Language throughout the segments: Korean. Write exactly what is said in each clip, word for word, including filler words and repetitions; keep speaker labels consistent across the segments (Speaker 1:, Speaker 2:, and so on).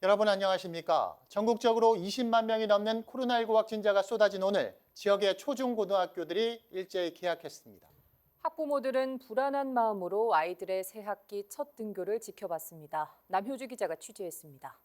Speaker 1: 여러분 안녕하십니까? 전국적으로 이십만 명이 넘는 코로나십구 확진자가 쏟아진 오늘 지역의 초중고등학교들이 일제히 개학했습니다.
Speaker 2: 학부모들은 불안한 마음으로 아이들의 새학기 첫 등교를 지켜봤습니다. 남효주 기자가 취재했습니다.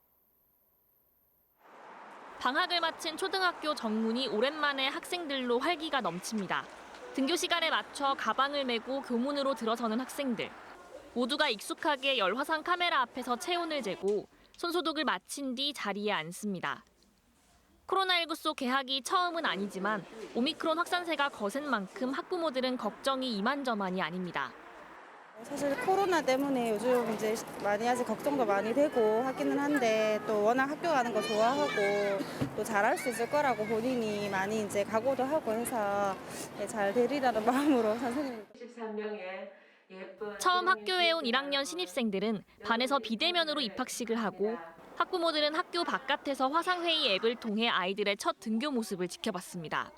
Speaker 3: 방학을 마친 초등학교 정문이 오랜만에 학생들로 활기가 넘칩니다. 등교 시간에 맞춰 가방을 메고 교문으로 들어서는 학생들. 모두가 익숙하게 열화상 카메라 앞에서 체온을 재고 손소독을 마친 뒤 자리에 앉습니다. 코로나십구 속 개학이 처음은 아니지만 오미크론 확산세가 거센 만큼 학부모들은 걱정이 이만저만이 아닙니다.
Speaker 4: 사실 코로나 때문에 요즘 이제 많이 아직 걱정도 많이 되고 하기는 한데 또 워낙 학교 가는 거 좋아하고 또 잘할 수 있을 거라고 본인이 많이 이제 각오도 하고 해서 잘 되리라는 마음으로 선생님.
Speaker 5: 십삼 명의
Speaker 3: 처음 학교에 온 일 학년 신입생들은 반에서 비대면으로 입학식을 하고 학부모들은 학교 바깥에서 화상회의 앱을 통해 아이들의 첫 등교 모습을 지켜봤습니다.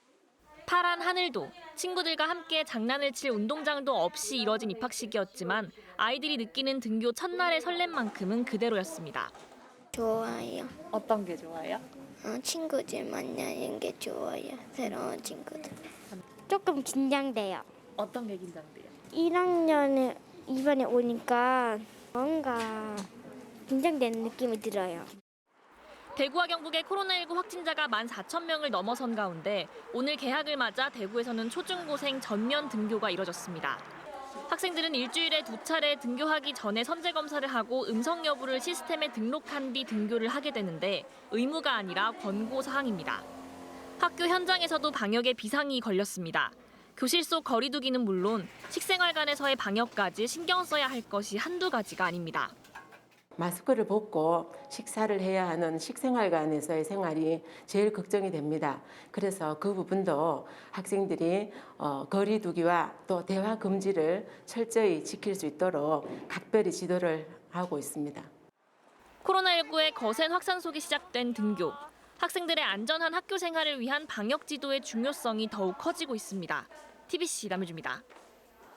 Speaker 3: 파란 하늘도, 친구들과 함께 장난을 칠 운동장도 없이 이뤄진 입학식이었지만 아이들이 느끼는 등교 첫날의 설렘만큼은 그대로였습니다.
Speaker 6: 좋아요.
Speaker 2: 어떤 게 좋아요?
Speaker 6: 어, 친구들 만나는 게 좋아요. 새로운 친구들. 조금 긴장돼요.
Speaker 2: 어떤 게 긴장돼요?
Speaker 6: 일 학년에 이번에 오니까 뭔가 긴장되는 느낌이 들어요.
Speaker 3: 대구와 경북의 코로나십구 확진자가 만 사천 명을 넘어선 가운데 오늘 개학을 맞아 대구에서는 초중고생 전면 등교가 이뤄졌습니다. 학생들은 일주일에 두 차례 등교하기 전에 선제 검사를 하고 음성 여부를 시스템에 등록한 뒤 등교를 하게 되는데 의무가 아니라 권고 사항입니다. 학교 현장에서도 방역에 비상이 걸렸습니다. 교실 속 거리 두기는 물론 식생활관에서의 방역까지 신경 써야 할 것이 한두 가지가 아닙니다.
Speaker 5: 마스크를 벗고 식사를 해야 하는 식생활관에서의 생활이 제일 걱정이 됩니다. 그래서 그 부분도 학생들이 어, 거리 두기와 또 대화 금지를 철저히 지킬 수 있도록 각별히 지도를 하고 있습니다.
Speaker 3: 코로나십구의 거센 확산 속에 시작된 등교. 학생들의 안전한 학교 생활을 위한 방역 지도의 중요성이 더욱 커지고 있습니다. 티비씨 남효주입니다.